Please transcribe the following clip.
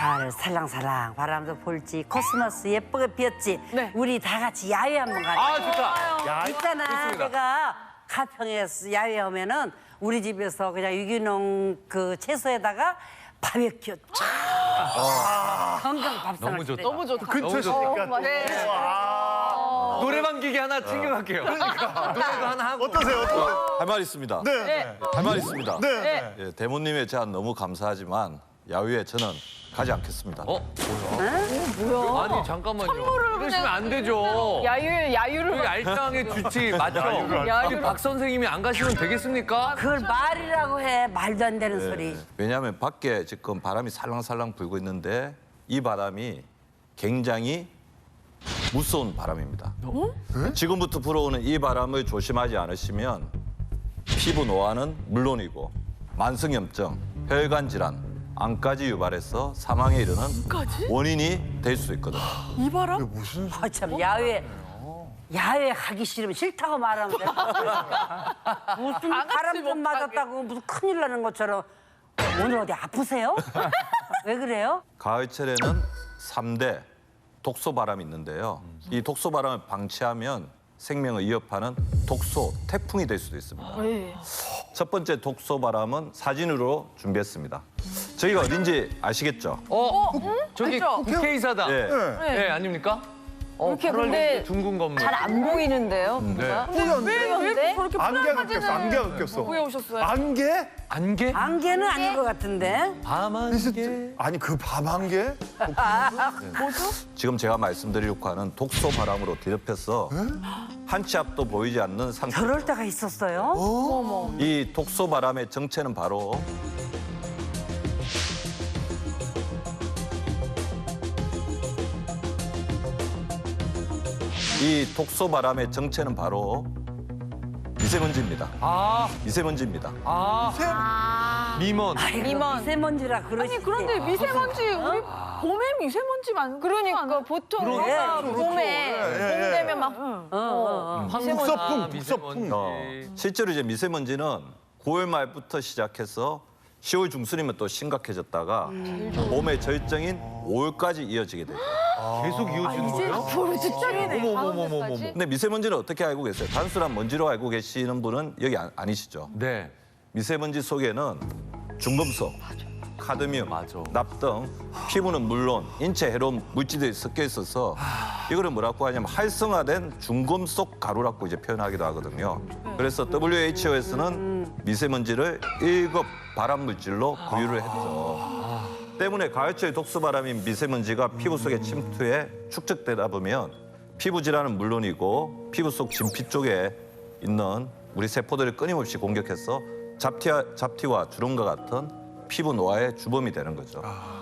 가을 살랑살랑 바람도 불지 코스모스 예쁘게 피었지. 네. 우리 다 같이 야외 한번 가자. 아, 좋다. 야, 있잖아. 좋습니다. 내가 가평에 야외 오면은 우리 집에서 그냥 유기농 그 채소에다가 바베큐 건강 밥상. 너무 좋다. 너무 좋다. 근처시니까. 네. 노래방 기계 하나 챙겨갈게요. 노래도 하나 하고. 어떠세요? 어떠세요? 할 말 있습니다. 네. 할 말 있습니다. 네. 예, 대모님의 제안 너무 감사하지만 야유에 저는 가지 않겠습니다. 뭐야? 아니, 잠깐만요. 그러시면 안 되죠. 야유를 여기 알짱에 주치 맞죠? 야유를. 우리 박 선생님이 안 가시면 되겠습니까? 그걸 말이라고 해. 말도 안 되는 소리. 예, 왜냐하면 밖에 지금 바람이 살랑살랑 불고 있는데 이 바람이 굉장히 무서운 바람입니다. 지금부터 불어오는 이 바람을 조심하지 않으시면 피부 노화는 물론이고 만성염증, 혈관 질환, 암까지 유발해서 사망에 이르는 원인이 될 수 있거든요. 이 바람? 무슨 아, 참 야외 가기 싫으면 싫다고 말하면 돼. 무슨 바람 좀 맞았다고 무슨 큰일 나는 것처럼. 오늘 어디 아프세요? 왜 그래요? 가을철에는 3대 독소바람이 있는데요. 이 독소바람을 방치하면 생명을 위협하는 독소, 태풍이 될 수도 있습니다. 첫 번째 독소바람은 사진으로 준비했습니다. 저희가 어딘지 아시겠죠? 저기 그쵸? 국회의사다. 예. 네, 아닙니까? 이렇게 그럴 근데 둥근 건물. 잘 안 보이는데요? 뭔가? 왜 저렇게 안개가 꼈어. 안개가 꼈어. 왜 오셨어요? 안개? 안개? 안개는 아닌 것 같은데. 밤안개. 아니 그 밤 안개? 지금 제가 말씀드리려고 하는 독소바람으로 뒤덮여서 한 치 앞도 보이지 않는 상태. 저럴 때가 있었어요? 이 독소바람의 정체는 바로 미세먼지입니다. 미세먼지입니다. 미먼. 미먼. 미세먼지라 그러지. 아니 그런데 미세먼지 우리 봄에 미세먼지만 그러니까 보통 우리가 봄에 봄 되면 막 북서풍, 미세먼지. 실제로 이제 미세먼지는 9월 말부터 시작해서 10월 중순이면 또 심각해졌다가 봄의 절정인 5월까지 이어지게 돼요. 계속 이어지는 거예요? 앞으로 직전이네. 어머머머머머. 근데 미세먼지는 어떻게 알고 계세요? 단순한 먼지로 알고 계시는 분은 여기 아니시죠? 네. 미세먼지 속에는 중금속, 카드뮴, 맞아. 납 등 피부는 물론 인체 해로운 물질들이 섞여 있어서 이거를 뭐라고 하냐면 활성화된 중금속 가루라고 이제 표현하기도 하거든요. 그래서 WHO에서는 미세먼지를 1급 발암 물질로 분류를 했죠. 때문에 가을철 독소바람인 미세먼지가 피부 속에 침투해 축적되다 보면 피부 질환은 물론이고 피부 속 진피 쪽에 있는 우리 세포들을 끊임없이 공격해서 잡티와 주름과 같은 피부 노화의 주범이 되는 거죠.